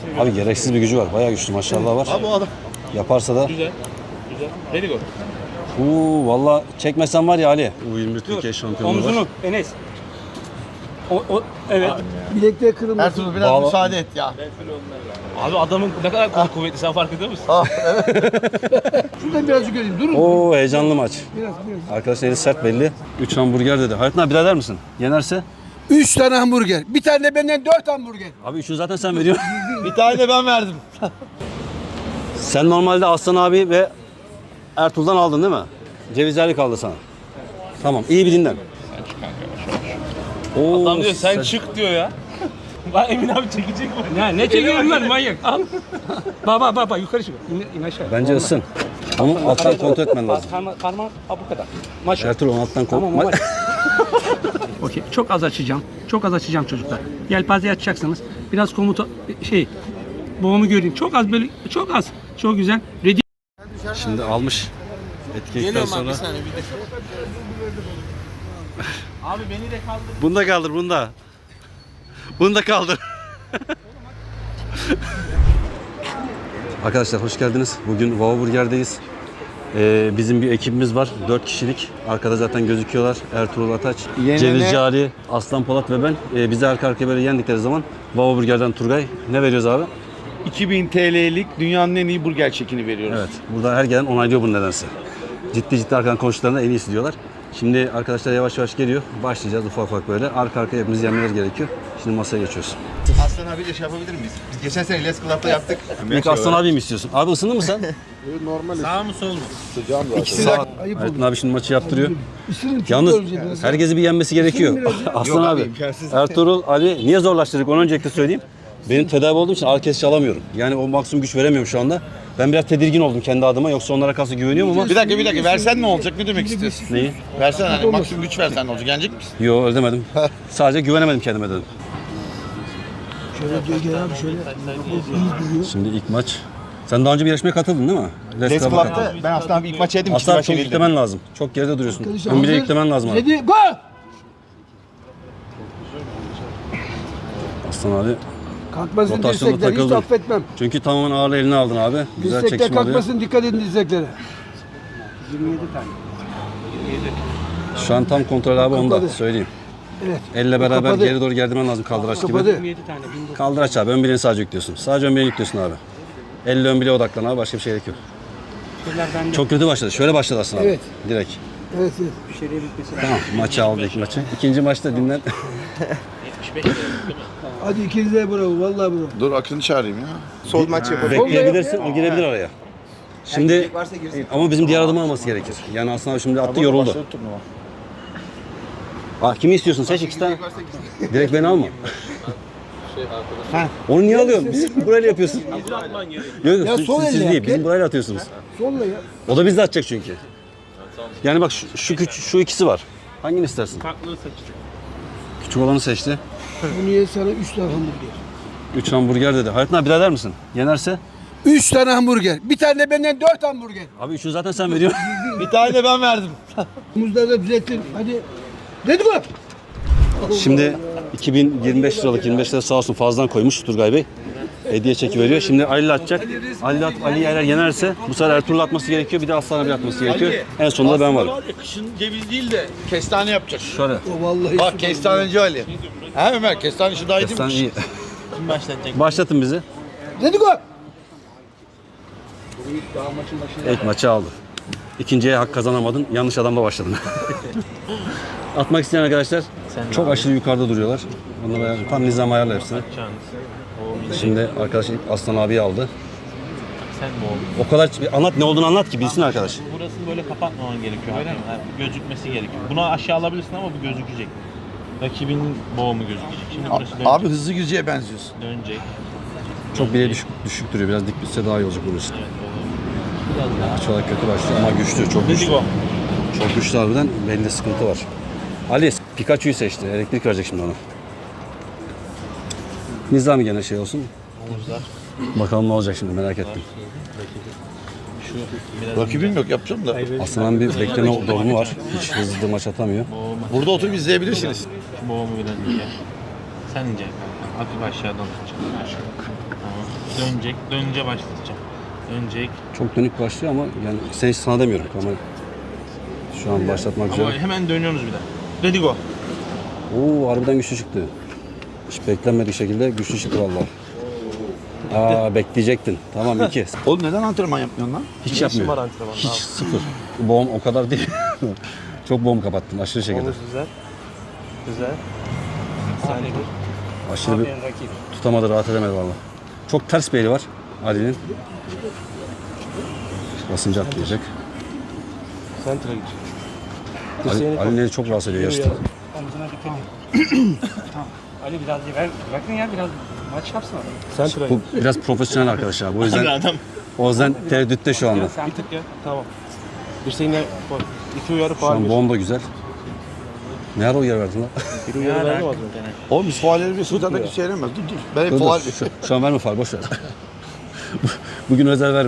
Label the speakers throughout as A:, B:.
A: Abi gereksiz bir gücü var. Bayağı güçlü maşallah var.
B: Abi o adam.
A: Yaparsa da.
C: Güzel. Güzel. Very good.
A: Valla çekmesen var ya Ali. U21 Türkiye şampiyonluğu var.
D: Omzunu Enes. Evet.
E: Bilekte kırılmasın.
B: Ertuğrul biraz
A: Bağla.
B: müsaade et ya.
C: Abi adamın ne kadar kuvvetli sen fark ediyor musun?
E: Şuradan birazcık göreyim. Durun.
A: Oo heyecanlı maç.
E: Biraz.
A: Arkadaşlar eli sert belli. 3 hamburger dedi. Hayatın abi birader misin? Yenerse?
E: 3 tane hamburger. Bir tane de benden 4 hamburger.
A: Abi 3'ünü zaten sen veriyorsun.
B: Bir tane de ben verdim.
A: Sen normalde Aslan abi ve Ertuğrul'dan aldın değil mi? Cevizlerli kaldı sana. Tamam iyi bir dinlen. Oo,
C: Adam diyor sen çık diyor ya. Lan Emin abi çekecek mi?
D: Ya ne çekiyorsun lan manyak? Al. Baba yukarı çık. İn aşağı.
A: Bence ısın. Onu alttan kontrol etmen lazım.
D: Parmak bu kadar. Maşallah.
A: Ertuğrul onu alttan kontrol.
D: Tamam ama. Okey. Çok az açacağım. Çok az açacağım çocuklar. Yelpazeyi açacaksınız. Biraz komuta boğumu göreyim. Çok az böyle çok az. Çok güzel. Ready.
A: Şimdi almış. Etkilikten sonra.
C: Abi beni de kaldır.
A: Bunu da kaldır, bunu da. Bunu da kaldır. Arkadaşlar hoş geldiniz. Bugün Wow Burger'deyiz. Bizim bir ekibimiz var. 4 kişilik. Arkada zaten gözüküyorlar. Ertuğrul Ataç, Cevizci Ali, Aslan Polat ve ben. Bizi arka arkaya böyle yendikleri zaman Wow Burger'den Turgay. Ne veriyoruz abi?
B: 2000 TL'lik dünyanın en iyi burger çekini veriyoruz.
A: Evet. Burada her gelen onaylıyor bunu nedense. Ciddi arkadan konuştuklarında en iyisi diyorlar. Şimdi arkadaşlar yavaş yavaş geliyor. Başlayacağız ufak ufak böyle. Arka arkaya hepimiz yenmeler gerekiyor. Şimdi masaya geçiyoruz.
B: Aslan abiyle şey yapabilir miyiz? Biz geçen sene Les Club'da yaptık.
A: İlk Aslan abi mi istiyorsun? Abi ısındın mı sen?
C: Sağ mı sol mu?
A: Sağ.
E: Ayıp
A: Aytun abi şimdi maçı yaptırıyor.
E: Isırın.
A: Yalnız herkesi bir yenmesi gerekiyor. Aslan
B: Yok
A: abi,
B: abi, imkansız.
A: Ertuğrul, Ali niye zorlaştırdık onu öncelikle söyleyeyim. Benim tedavi olduğum için ağrı kesici alamıyorum. Yani o maksimum güç veremiyorum şu anda. Ben biraz tedirgin oldum kendi adıma. Yoksa onlara karşı güveniyorum ama...
B: Bir dakika versen ne olacak? Ne demek istiyorsun?
A: Neyi?
B: Versen hani maksimum güç versen ne olacak? Yenecek misin?
A: Yo öyle demedim. Sadece güvenemedim kendime dedim.
E: Şöyle gel abi şöyle.
A: Şimdi ilk maç. Sen daha önce bir yarışmaya katıldın değil mi?
B: Les
A: Club'a
B: Club'da ben Aslan abi ilk maç yedim.
A: Aslan çok yüklemen lazım. Çok geride duruyorsun. Ön bile yüklemen lazım abi.
E: Ready go.
A: Aslan abi.
E: Kalkmasın
A: Rotasyonda
E: dirsekler. Hiç
A: takıldın.
E: affetmem.
A: Çünkü tamamen ağırlığı eline aldın abi. Güzel
E: Dirsekler
A: çekişme oluyor.
E: kalkmasın. Dikkat edin dirseklere.
D: 27 tane.
A: Şu an tam kontrol abi onda
E: Kapadı.
A: söyleyeyim.
E: Evet.
A: Elle beraber
E: Kapadı.
A: geri doğru gerdirmen lazım kaldıraç gibi.
E: Kapadı.
D: 27 tane. 1900.
A: Kaldıraç abi ön bileğini sadece yüklüyorsun. Sadece ön bileğini yüklüyorsun abi. Elle ön bileğe odaklan abi başka bir şey gerek yok.
D: Şeyler bende.
A: Çok kötü başladı. Şöyle başladı aslında abi.
E: Evet.
A: Direkt.
E: Evet.
D: Bir şeyleri bitmesi lazım.
A: Tamam maçı aldı ilk maçı. İkinci maçta dinlen.
C: 75 lira.
E: Hadi ikinize bravo. Vallahi bravo.
B: Dur Akın'ı çağırayım ya.
F: Sol maç yapalım.
A: Bekleyebilirsin o girebilir araya. Şimdi ama bizim diğer adımı alması gerekir. Yani aslında şimdi attı yoruldu. Kimi istiyorsun? Seç iki tane. Direkt beni alma. Onu niye alıyorsun? Biz burayla yapıyorsun. Yok
E: Ya sol
A: siz
E: elle
A: değil.
E: yap,
A: Bizim
E: gel.
A: burayla atıyorsunuz.
E: Solla ya.
A: O da bizde atacak çünkü. Yani bak şu ikisi var. Hangini istersin?
C: Farklı seçtim.
A: Küçük olanı seçti.
E: Bu niye sana 3 tane hamburger?
A: 3 hamburger dedi. Hayatın abi birader misin? Yenerse?
E: 3 tane hamburger. Bir tane de benden 4 hamburger.
A: Abi 3'ünü zaten sen veriyorsun.
B: Bir tane de ben verdim.
E: Omuzları da düzelttin. Hadi. Ready go.
A: Şimdi 2025 liralık 25 lira sağ olsun fazladan koymuş Turgay Bey. Hediye çeki veriyor. Şimdi Ali atacak. Ali eğer yenerse bu sefer Ertuğrul atması gerekiyor. Bir de Aslan abi atması gerekiyor. En sonunda ben varım.
B: Kışın ceviz değil de kestane yapacak.
A: Şöyle.
E: O vallahi.
B: Bak kestaneci Ali. He Ömer kestane işi daha iyi değil
A: Sen
B: mi?
A: iyi.
C: Kim başlatacak?
A: Başlatın bizi.
E: Ready go.
A: İlk maçı aldı. İkinciye hak kazanamadın. Yanlış adamla başladın. Atmak isteyen arkadaşlar çok aşırı yukarıda duruyorlar. Onlara tam nizam ayarla hepsini. Şimdi arkadaş Aslan abiyi aldı.
C: Sen mi oldun?
A: O kadar anlat ne olduğunu anlat ki bilsin arkadaş.
C: Burasını böyle kapatmaman gerekiyor. Öyle mi? Gözükmesi gerekiyor. Bunu aşağı alabilirsin ama bu gözükecek. Rakibin boğumu gözükecek. Şimdi burası dönecek.
B: Abi hızlı Gürcü'ye benziyorsun.
C: Dönecek.
A: Çok bile düşük duruyor. Biraz dik bitse daha iyi olacak bunun için.
C: Evet, olur. Biraz daha.
A: Maç olarak kötü başlıyor ama güçlü, çok güçlü.
C: Go.
A: Çok güçlü harbiden. Belli sıkıntı var. Ali Pikachu'yu seçti. Elektrik verecek şimdi ona. Nizami gene şey olsun.
C: Omuzlar.
A: Bakalım ne olacak şimdi merak ettim.
C: Şu biraz
B: Rakibim yok yapacağım da.
A: Aslan'ın bir bekleme durumu var. Hiç hızlı maç atamıyor.
C: boğumu.
B: Burada oturup izleyebilirsiniz.
C: Şu boğumu biraz ince. Sen ince. Hafif aşağıdan tutacak. Tamam. Dönecek. Dönünce başlatacağım. Dönecek.
A: Çok dönük başlıyor ama yani sen hiç sana demiyorum ama şu an başlatmak
C: Ama
A: üzere.
C: hemen dönüyorsunuz bir de. Ready go.
A: Oo, harbiden güçlü çıktı. Hiç beklenmedik şekilde güçlü çıktı vallahi. Bekleyecektin. Tamam 2.
B: Oğlum neden antrenman yapmıyorsun lan?
A: Hiç yapmıyor. Hiç sıfır. Boğum o kadar değil. Çok boğum kapattım aşırı şekilde.
C: Güzel. Güzel. Saniye bir.
A: Aşırı bir tutamadı, rahat edemedi vallahi. Çok ters bir eli var Ali'nin. Basınca atlayacak.
C: Center'a gidecek.
A: Ali'nin eli çok rahatsız ediyor yarışta.
D: Omzuna dikkat et. Tamam. Ali biraz ver. Bırakın ya biraz maç yapsın adam.
A: Bu biraz profesyonel arkadaşlar. Bu
C: Hadi
A: yüzden
C: adam.
A: tereddütte şu anda.
D: Sen
C: Bir tık ya. Tamam. Dirseğine koy. 2 uyarı
A: Şu
C: faal
A: an
C: bir.
A: boğum da güzel. Ne ara uyarı verdin lan?
C: Bir uyarı verdim az önce.
B: Oğlum biz faalleri bir sudada bir şey veremez. Dur. Ben hep
A: Dur,
B: faal...
A: dur. Şu an verme faal, boş ver. Bugün özel verme.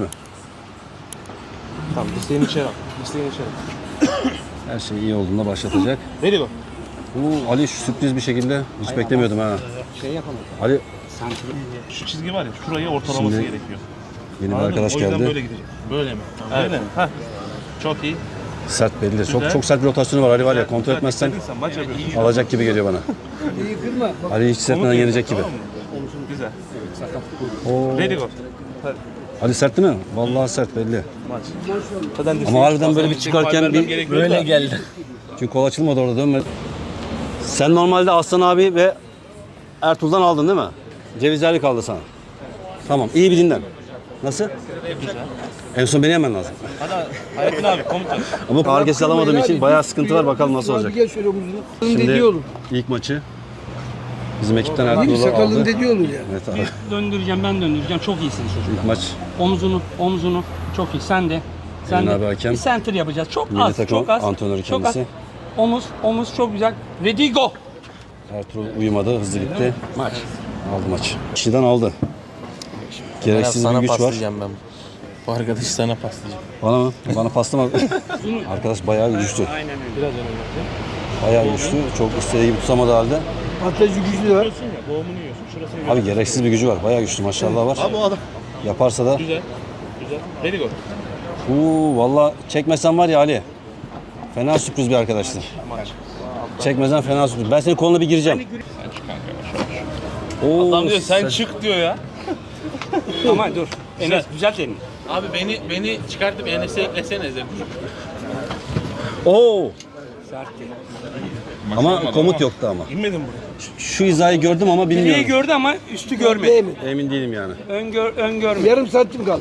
C: Tamam dirseğini içeri al. Dirseğini içeri al.
A: Her şey iyi olduğunda başlatacak.
C: Ready go.
A: Ali şu sürpriz bir şekilde hiç beklemiyordum ha.
D: şey yapalım.
A: Ali
C: Şu çizgi var ya şurayı ortalaması
A: Şimdi
C: gerekiyor.
A: yeni bir
C: Anladın mı?
A: arkadaş
C: O yüzden
A: geldi.
C: böyle gidecek. Böyle mi? Tamam, böyle mi? Heh. Çok iyi.
A: Sert belli. Çok
C: Güzel.
A: çok sert bir rotasyonu var Ali var ya. Kontrol etmezsen
C: İstediysen maç yapıyorsun.
A: alacak gibi geliyor bana.
E: İyi kırma. Bak,
A: Ali hiç hissetmeden yenecek gibi.
C: Tamam mı? Omuzun güzel.
A: Oo.
C: Ready go.
A: Ali sert değil mi? Vallahi sert belli.
C: Maç. Zaten
A: Ama harbiden böyle bir çıkarken bir
C: böyle geldi.
A: çünkü kol açılmadı orada dönmedi. Sen normalde Aslan abi ve Ertuğrul'dan aldın değil mi? Cevizlerli kaldı sana. Tamam, iyi bir dinlen. Nasıl?
C: Güzel.
A: En son beni yemen lazım.
C: Hadi Hayrettin abi komutan.
A: Ama ağır kesici alamadığım için bayağı sıkıntı var. Bakalım nasıl olacak.
E: Gel şöyle omuzunu.
A: Şimdi
E: Dediği olur.
A: ilk maçı bizim ekipten
E: Bir
A: Ertuğrul'u
E: sakalın
A: aldı.
E: dediği olur ya.
A: Evet abi.
D: Döndüreceğim ben döndüreceğim. Çok iyisiniz çocuklar.
A: İlk maç
D: Omzunu çok iyi. Sen de. Sen
A: Emin
D: de.
A: abi hakem.
D: Bir center yapacağız. Çok
A: Milli
D: az.
A: takım
D: Çok az.
A: antrenörü
D: Çok az.
A: kendisi.
D: Omuz çok güzel. Ready go.
A: Ertuğrul uyumadı, hızlı gitti. Maç. Aldı maç. Kişiden aldı. Gereksiz bir güç var.
C: ben. Bu arkadaşı sana paslayacağım.
A: Bana mı? Bana paslama. Arkadaş bayağı güçlü.
C: Biraz önemli.
A: Bayağı güçlü. Çok istediği gibi tutamadı halde.
E: Patlayıcı gücü de var.
C: Yiyorsun ya boğumunu yiyorsun. Şurasını
A: Abi gereksiz bir gücü var. Bayağı güçlü maşallah var.
C: Abi o adam.
A: Yaparsa da.
C: Güzel. Güzel. Ready go.
A: Valla çekmesen var ya Ali. Fena sürpriz bir arkadaştır. Çekmesen fena sürpriz. Ben senin koluna bir gireceğim. Oo,
C: Adam diyor sen çık diyor ya.
D: Ama dur. Enes düzelt elini.
C: Abi beni çıkartıp Enes'e eklesene de.
A: Oo.
D: Sert değil.
A: Ama komut yoktu ama.
C: İnmedin buraya.
A: Şu hizayı gördüm ama
D: Direği
A: bilmiyorum.
D: gördü ama üstü görmedi.
E: Değil mi?
A: Emin değilim yani.
D: Ön görmedi.
E: Yarım santim kaldı.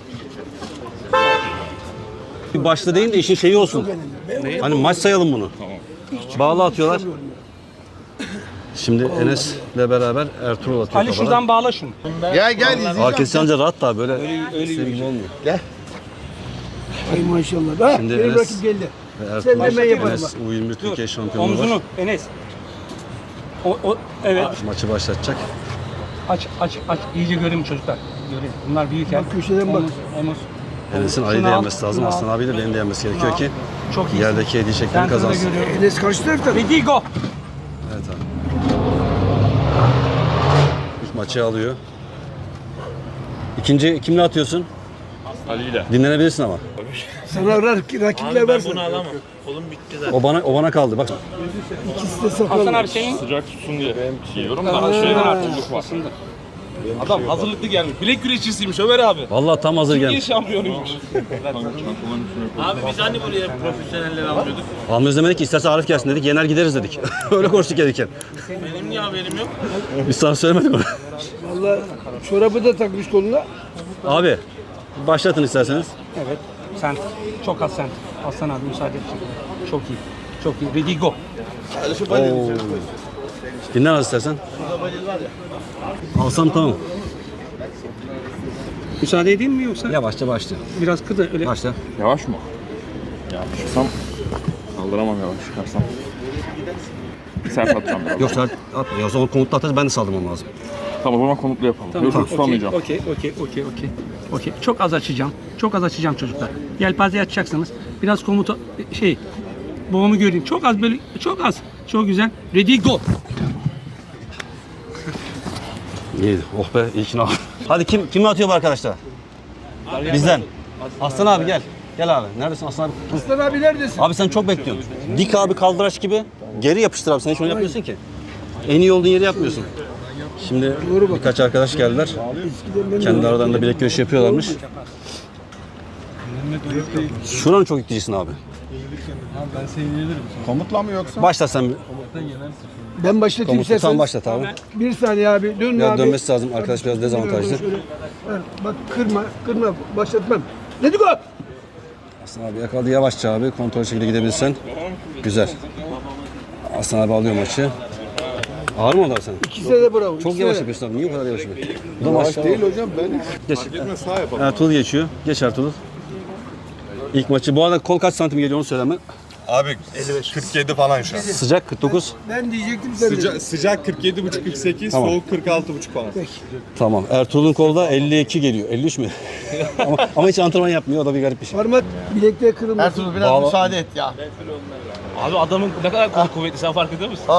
A: Bir başta değil de işin şeyi olsun. Hani maç sayalım bunu. Bağlı atıyorlar. Şimdi Enes'le beraber Ertuğrul atıyor
D: Ali
A: kafadan.
D: şuradan bağla şunu.
B: Gel izleyeceğim.
A: Herkes anca rahat da böyle sevgi gibi olmuyor.
E: Ay maşallah. Ha,
A: Şimdi
E: benim
A: Enes-
E: rakip geldi.
A: Ve
E: Sen de ben yaparım.
A: Enes U21 Türkiye şampiyonu var.
D: Omzunu Enes. Evet.
A: Maçı başlatacak.
D: Aç. İyice göreyim çocuklar. Göreyim. Bunlar büyük
E: Bak köşeden bak.
D: Omuz.
A: Enes'in Ali'yi de
D: Şunu al,
A: yenmesi lazım.
D: şunu al.
A: Aslan abiyle benim de yenmesi gerekiyor
D: al.
A: ki
D: Çok iyi.
A: yerdeki hediye şeklini kazansın.
E: Enes karşı tarafta.
D: Ready go.
A: Evet abi. İlk maçı alıyor. İkinci kimle atıyorsun?
C: Ali'yle.
A: Dinlenebilirsin ama.
E: Sana rakipler
C: Abi ben
E: varsa.
C: bunu alamam. Kolum bitti zaten.
A: O bana kaldı. Bak
E: İkisi de sakal.
D: Hasan abi senin.
C: Sıcak tutsun diye. Yiyorum da şeyden artık var. Adam hazırlıklı gelmiş. Bilek güreşçisiymiş Ömer abi.
A: vallahi tam hazır
C: İyi
A: gelmiş.
C: şampiyonuymuş. Abi biz hani buraya profesyoneller almıyorduk.
A: Almıyoruz demedik ki isterse Arif gelsin dedik. Yener gideriz dedik. Öyle konuştuk gelirken.
C: Benim niye haberim yok?
A: Biz sana söylemedik onu.
E: Valla çorabı da takmış koluna.
A: Abi başlatın isterseniz.
D: Evet. Sen. Çok az sen. Hasan abi müsaade et. Çok iyi. Çok iyi. Ready go.
A: Dinlen az istersen. Alsam tamam.
D: Müsaade edeyim mi yoksa?
A: Yavaşça başla.
D: Biraz kıda öyle.
A: Başla.
F: Yavaş mı? Yavaş çıksam kaldıramam yavaş çıkarsam. Sert atacağım biraz.
A: Yok sen atma. Ya o zaman komutla atarız ben de saldırmam lazım.
F: Tamam o zaman komutlu yapalım. Yok tutamayacağım.
D: Okey. Çok az açacağım. Çok az açacağım çocuklar. Yelpaze açacaksınız. Biraz komuta boğumu göreyim. Çok az böyle çok az. Çok güzel. Ready go.
A: İyiydi. Oh be iyi ki ne Hadi kim atıyor bu arkadaşlar? Bizden. Aslan abi gel. Gel abi. Neredesin Aslan abi?
E: Aslan abi neredesin?
A: Abi sen çok bekliyorsun. Dik abi kaldıraç gibi. Geri yapıştır abi. Sen hiç onu yapmıyorsun ki. En iyi olduğun yeri yapmıyorsun. Şimdi birkaç arkadaş geldiler. Kendi aralarında bilek güreşi yapıyorlarmış. Şuranın çok itticisin abi.
F: Komutla mı yoksa?
A: Başla sen bir.
E: Ben başlatayım
A: Komutu tam
E: istersen.
A: başlat abi.
E: Bir saniye abi. Dön
A: Biraz
E: abi.
A: dönmesi lazım. Arkadaş biraz dezavantajlı.
E: Bak kırma. Başlatmam. Let's go.
A: Aslan abi yakaladı yavaşça abi. Kontrol şekilde gidebilirsen. Güzel. Aslan abi alıyor maçı. Ağır mı onlar sen?
E: İkisine de bravo.
A: Çok
E: ikisine
A: yavaş
E: de.
A: yapıyorsun abi. Niye bu kadar yavaş yapıyorsun? Bu da maç değil
F: hocam ben.
A: Geç. Ertuğrul geçiyor. Geç Ertuğrul. İlk maçı. Bu arada kol kaç santim geliyor onu söyleme.
G: Abi 47 falan şu an.
A: Sıcak 49.
E: Ben diyecektim sen de.
G: Sıcak 47,5-48,
A: Tamam.
G: soğuk 46,5 falan.
A: Tamam. Ertuğrul'un kolda 52 geliyor. 53 mü? ama hiç antrenman yapmıyor. O da bir garip bir şey.
E: Parmak bilekte kırılmasın.
B: Ertuğrul biraz
A: Bağla-
B: müsaade et ya.
C: Abi adamın ne kadar kolu kuvvetli sen fark ediyor musun?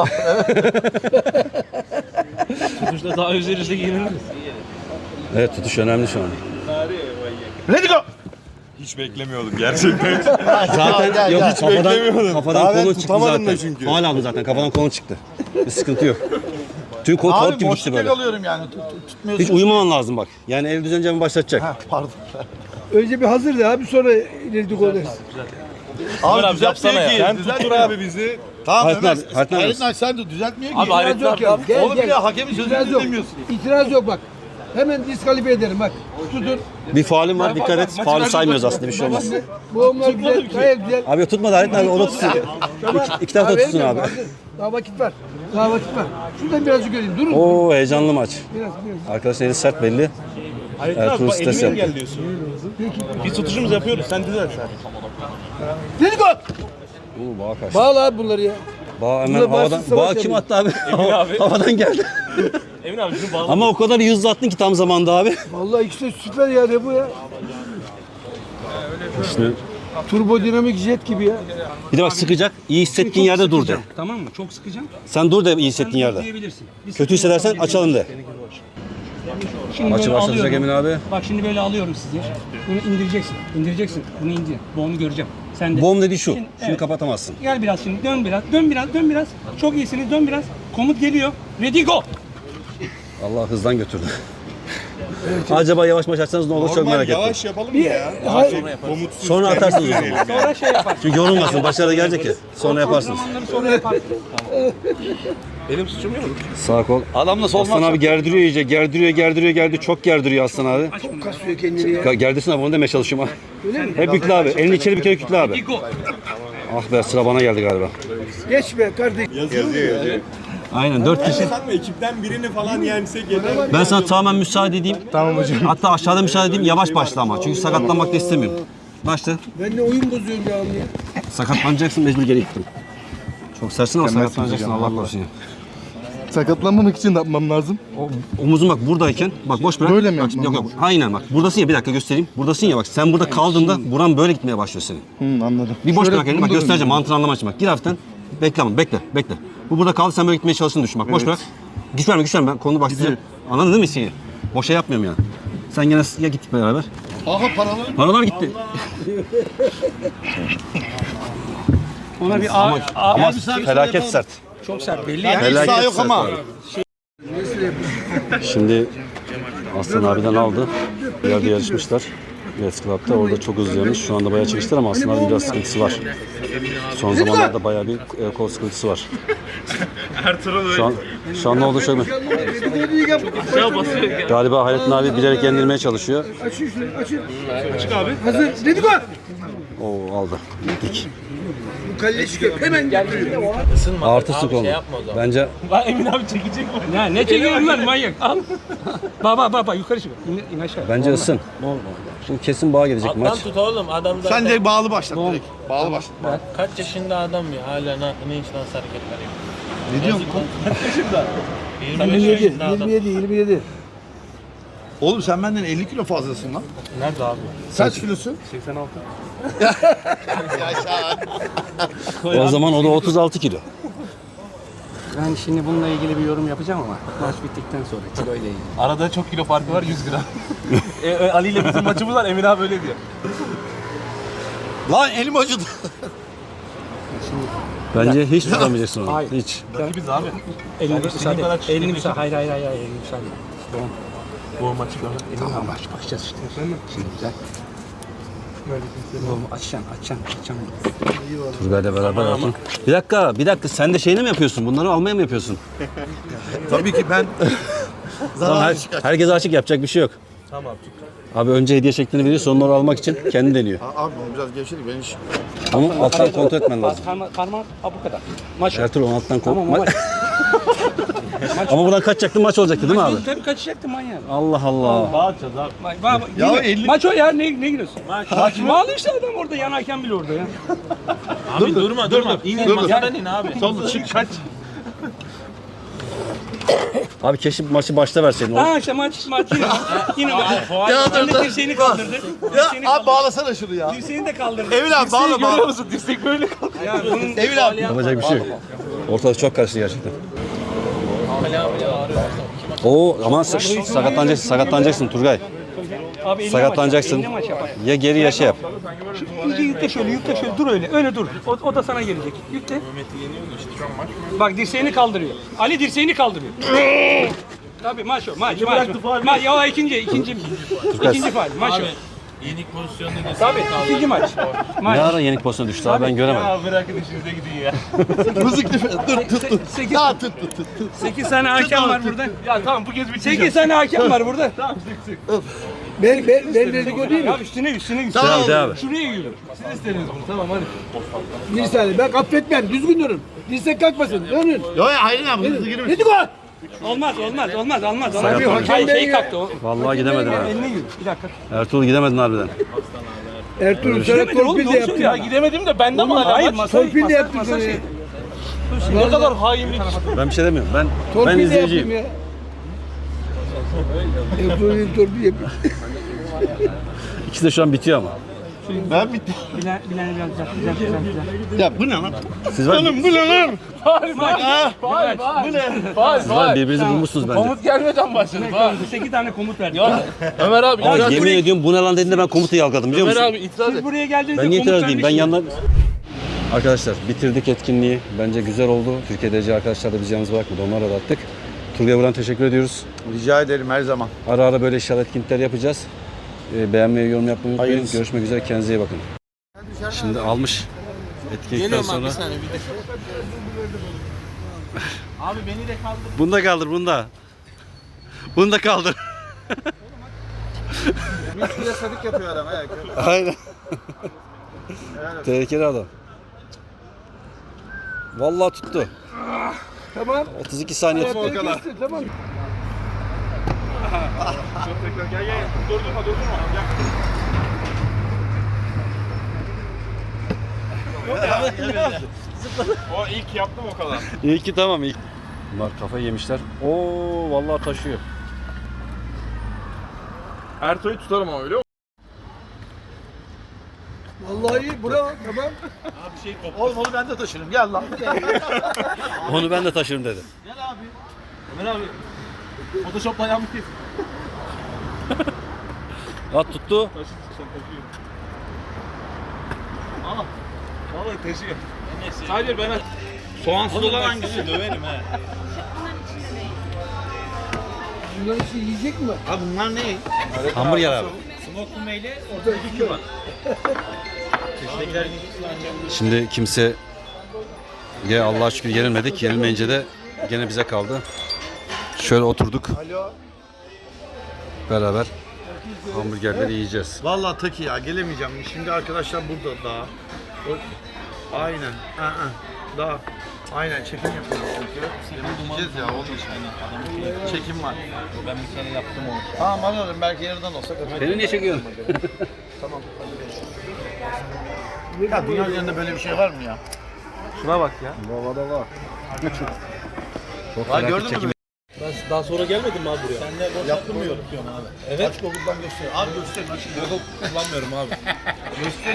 C: Tutuşta daha üzerinde giyiniriz.
A: Evet tutuş önemli şu an.
B: Let's go.
G: Hiç beklemiyordum gerçekten.
A: Zaten
B: gel,
A: yok
B: gel.
A: hiç kafadan
G: Daha ben
A: kolun çıktı
G: tutamadım
A: zaten.
G: da çünkü.
A: Faal aldı zaten. Kafadan kolun çıktı. Bir sıkıntı yok. Tüm kol kalıp
B: Abi
A: gibi gitti
B: boşlukta
A: böyle.
B: kalıyorum yani. Tutmuyorsun.
A: Hiç uyumaman lazım bak. Yani el düzenci mi başlatacak?
B: Pardon.
E: Önce bir hazır de abi sonra ileri gol dersin.
B: Abi
C: yapsana ya.
G: Sen tuttur abi bizi. Tamam
A: Hayrettin
G: Ömer.
A: abi. Hayrettin abi.
B: Hayır sen de düzeltmiyor ki.
C: Abi Hayrettin
E: yok
C: abi.
E: ya. Gel,
B: Oğlum
E: gel.
B: ya hakemin sözünü
E: İtiraz yok.
B: dinlemiyorsun.
E: İtiraz yok bak. Hemen diskalifiye ederim bak. Tutun.
A: Bir faalin var. Dikkat et. Faulü saymıyoruz aslında. Bir şey olmaz.
E: Boğumlar güzel. Gayet güzel.
A: Abi tutmadı Hayrettin abi. O da tutsun. İki taraf da tutsun abi.
E: Hazır. Daha vakit var. Daha vakit var. Şuradan birazcık göreyim. Durun.
A: Oo heyecanlı maç.
E: Biraz.
A: Arkadaşlar eli sert belli. Ertuğrul stres yaptı.
C: engelliyorsun. Biz tutuşumuz yapıyoruz sen düzelt sen.
E: Let's go.
A: Oo bağa kaçtı.
E: Bağla abi bunları ya.
A: Bağ hemen
E: Burada
A: havadan.
E: başsız savaş
A: Bağ kim
E: yapıyor.
A: attı abi?
C: abi.
A: Havadan geldi.
C: Emin abi şunu bağla.
A: Ama o kadar iyi hızlı attın ki tam zamanda abi.
E: Vallahi ikisi de süper ya ne bu ya.
A: İşte
E: Turbo dinamik jet gibi ya.
A: bir de bak sıkacak. İyi hissettiğin yerde dur de.
D: Tamam mı? Çok sıkacağım.
A: Sen dur de iyi hissettiğin yerde.
D: Diyebilirsin.
A: Kötü hissedersen açalım de.
D: Şimdi
A: Maçı
D: böyle
A: başlatacak
D: alıyorum.
A: Emin abi.
D: Bak şimdi böyle alıyorum sizi. Bunu indireceksin. İndireceksin. Bunu indir. Boğumu göreceğim. Sen de.
A: Bom dediği şu.
D: Şimdi,
A: Şunu
D: evet.
A: kapatamazsın.
D: Gel biraz şimdi. Dön biraz. Dön biraz. Çok iyisiniz. Dön biraz. Komut geliyor. Ready go.
A: Allah hızdan götürdü. Acaba yavaş maç açsanız ne olur çok merak ettim.
G: Yavaş yapalım ya. Komutsuz.
A: Sonra atarsınız o zaman.
D: Sonra şey yapar.
A: Çünkü yorulmasın. Başarı gelecek ya. Sonra yaparsınız.
D: Zamanları sonra yapar.
C: Benim suçum yok.
A: Sağ kol.
B: Adamla sol
A: Aslan abi gerdiriyor iyice. Gerdiriyor. Çok gerdiriyor Aslan abi.
E: Kasıyor kendini ya.
A: Gerdirsin abi onu demeye çalışıyorum ha. Hep yükle abi. Elini içeri bir kere yükle abi.
D: Go.
A: Ah be sıra bana geldi galiba.
E: Geç be kardeş.
G: Yazıyor.
A: Aynen 4 kişi.
G: Sanma ekipten birini falan yensek yeter.
A: Ben sana tamamen müsaade edeyim. Tamam hocam. Hatta aşağıda müsaade edeyim. Yavaş başla ama. Çünkü sakatlanmak da istemiyorum. Başla.
E: Ben de oyun bozuyorum ya.
A: Sakatlanacaksın mecbur geri gittim. Çok sersin ama sakatlanacaksın Allah korusun ya.
F: Sakatlanmamak için ne yapmam lazım?
A: Omuzun bak buradayken bak boş bırak.
F: Böyle mi
A: Bak,
F: yapmam
A: yok. Aynen bak. Buradasın ya bir dakika göstereyim. Buradasın ya bak sen burada kaldığında buran böyle gitmeye başlıyor senin.
F: Anladım.
A: Bir boş
F: Şöyle
A: bırak elini bak
F: bunu da
A: göstereceğim mantığını anlamak için bak. Gir hafiften. Bekle ama bekle. Bu burada kaldı sen böyle gitmeye çalıştığını düşün bak. Boş bırak. Güç verme. Ben konu bak size. Anladın değil mi şeyi? Boşa yapmıyorum yani. Sen gene ya gittik beraber.
B: Aha paraları.
A: Paralar gitti.
D: Ona bir
A: Ama felaket sert.
D: çok sert belli ya.
B: Hiç sağ yok ama.
A: Şimdi Aslan abiden aldı. Bir yerde yarışmışlar. Red Club'da orada çok hızlı yarış. Şu anda bayağı çekiştiler ama Aslan abinin biraz sıkıntısı var. Son zamanlarda bayağı bir kol sıkıntısı var. Şu an ne oldu şöyle? Galiba Hayrettin abi bilerek yenilmeye çalışıyor.
E: Açın şunu açın. Açık abi. Hazır. Let's go.
A: Oo aldı. Dik.
E: Bu kalle çıkıyor. Hemen getiriyor.
A: Artı konu. Bence
C: Lan Emin abi çekecek mi?
D: Ya ne çekiyorsun lan manyak? Al. Baba yukarı çık. İn aşağı.
A: bence ısın. Şimdi kesin bağ gelecek maç.
H: Tut oğlum adam zaten
B: Sen de bağlı başlat direkt. Bağlı başlat.
H: kaç yaşında adam ya hala ne iş nasıl hareketler yapıyor.
B: Ne diyorsun?
H: 25 yaşında adam.
E: 27.
B: Oğlum sen benden 50 kilo fazlasın lan.
C: Nerede abi?
B: Kaç kilosun?
A: O zaman o da 36 kilo.
D: Ben şimdi bununla ilgili bir yorum yapacağım ama maç bittikten sonra kilo ile ilgili.
H: Arada çok kilo farkı var 100 gram. Ali ile bizim maçımız var Emir abi öyle diyor.
G: Lan elim acıdı.
A: Bence hiç tutamayacaksın onu.
D: Hayır.
A: Hiç.
H: Rakibiz abi.
D: Elini
H: istediğin
D: müsaade.
H: kadar
D: Elini
H: çiftleşelim.
D: müsaade. Hayır elini müsaade. Tamam.
H: Bu maçı gördüm.
D: Tamam bakacağız işte. Şimdi güzel. Oğlum açacaksın.
A: Turgay'la beraber yapın. Bir dakika. Sen de şeyini mi yapıyorsun? Bunları almaya mı yapıyorsun?
G: Tabii ki ben
A: Tamam, herkese açık, yapacak bir şey yok.
H: Tamam.
A: Abi önce hediye şeklini veriyor, sonra onu almak için kendi deniyor.
B: Abi biraz gevşedik ben hiç.
A: Ama alttan kontrol etmen lazım.
D: Parmak bu kadar. Maç.
A: Ertuğrul onu alttan kontrol.
D: Tamam o maç.
A: Ama buradan kaçacaktı, maç olacaktı değil mi abi?
D: Tabii kaçacaktı manyak.
A: Allah Allah.
H: Bağıracağız abi.
D: Maç o ya ne giriyorsun? Maç bağlı işte adam orada yanarken bile orada ya.
H: Abi durma. İn masadan in abi.
B: Solda çık kaç.
A: Abi keşke maçı başta verseydin.
D: Ha işte maç yine maç. Sen de dirseğini kaldırdı.
G: Abi bağlasana şunu ya.
D: Dirseğini de kaldırdı.
G: Emin abi bağla.
H: musun? Dirsek böyle kaldı.
D: Ya bunun
G: Emin abi.
A: Yapacak bir şey yok. Ortalık çok karıştı gerçekten. Oo ama sakatlanacaksın Turgay.
D: abi eline
A: Sakatlanacaksın.
D: Maç yap, eline maç yap.
A: Ya geri ya şey yap.
D: İyice yükle şöyle dur öyle dur. O da sana gelecek. Yükle. Bak dirseğini kaldırıyor. Ali dirseğini kaldırıyor. Tabii maç o maç. Ya o ikinci faal maç o.
H: Yenik pozisyonda da
D: Tabii ikinci maç.
A: Ne ara yenik pozisyona düştü abi ben göremedim.
H: Ya bırakın işinize gidin ya.
G: Mızık dur.
D: 8 tane hakem var burada.
H: Ya tamam bu kez bitecek.
D: 8 tane hakem var burada.
E: Ben dedikodu değil mi?
D: Ya üstüne.
A: Tamam abi.
D: Şuraya yürü.
H: Siz istediniz bunu tamam hadi.
E: Bir saniye ben affetmem. Düzgün durun. Dirsek kalkmasın. Dönün.
B: Yo hayır abi hızlı girme.
E: Dedik o.
D: Olmaz.
A: Sakat
D: Şey kalktı o.
A: Vallahi gidemedin abi.
D: Eline yürü. Bir dakika.
A: Ertuğrul gidemedin harbiden.
E: Ertuğrul sana torpil de yaptım.
H: Ya gidemedim de bende mi hala
D: Hayır
H: maç?
E: Torpil de yaptım sana.
H: Ne kadar hainlik.
A: Ben bir şey demiyorum. Ben
E: Torpil de yaptım
A: izleyiciyim.
E: ya. Ertuğrul'un torpil yapıyor.
A: İkisi de şu an bitiyor ama.
B: Ben bitti.
D: Bilen biraz güzel.
B: Ya bu ne lan?
A: Siz var,
B: Bu ne lan?
A: siz var birbirinizi bulmuşsunuz bence.
H: Komut gelmeden başladı. Bak.
D: 8 tane komut verdi.
H: Ömer abi.
A: Ama yemin ediyorum bu ne lan dediğinde ben komutu yalgaladım biliyor
H: Ömer
A: musun?
H: abi itiraz et.
D: Siz buraya geldiğinizde
A: Ben niye
D: komut
A: itiraz edeyim? Ben
D: vermişsiniz.
A: yanlar... Arkadaşlar bitirdik etkinliği. Bence güzel oldu. Türkiye'deki arkadaşlar da bizi yalnız bırakmadı. Onlara da attık. Turgay'a buradan teşekkür ediyoruz.
B: Rica ederim her zaman.
A: Ara ara böyle inşallah etkinlikler yapacağız. Beğenmeyi, yorum yapmayı unutmayın.
B: Hayırlısı.
A: Görüşmek üzere. Kendinize iyi bakın. Şimdi almış. Etkinlikten
H: Geliyorum abi
A: sonra.
H: bir saniye bir de. Abi beni de kaldır.
A: Bunu da kaldır, bunu da. Bunu da kaldır.
B: Müslüye sadık yapıyor adam.
A: Aynen. Tehlikeli adam. Vallahi tuttu.
E: Tamam.
A: 32 saniye tuttu.
E: Kestir, tamam.
F: O ilk yaptım o kadar.
A: İyi ki tamam ilk. Bunlar kafayı yemişler. Oo vallahi taşıyor.
F: Ertuğ'u tutarım ama öyle.
E: Vallahi iyi. Bravo. Tamam.
B: Oğlum onu ben de taşırım. Gel lan.
A: Onu ben de taşırım dedi.
H: Ömer abi. Photoshop'la yapmışız.
A: At tuttu.
H: Vallahi taşıyor. Sadece ben soğansız olan hangisi? Döverim he.
E: Bunların işi yiyecek mi?
B: Abi bunlar ne?
A: Hamburger abi. Şimdi kimse Allah'a şükür yenilmedik. Yenilmeyince de gene bize kaldı. Şöyle oturduk. Beraber hamburgerleri yiyeceğiz.
B: Vallahi Taki ya gelemeyeceğim. Şimdi arkadaşlar burada daha. Aynen. Daha. Aynen çekim yapıyoruz çünkü. Gideceğiz ya oğlum. Çekim var.
H: Ben bir kere yaptım onu.
B: Tamam anladım. Belki yarıdan olsa kaçar.
A: Beni niye çekiyorsun?
B: Ya dünya üzerinde böyle bir şey var mı ya?
H: Şuna bak ya.
A: Çok
B: Vay,
A: felaket
B: gördün mü?
A: çekim.
H: Ben daha sonra gelmedim mi abi buraya? Sen de boş yaptırmıyorum abi. Evet.
B: Aç Google'dan göster. Abi göster.
H: Google kullanmıyorum abi.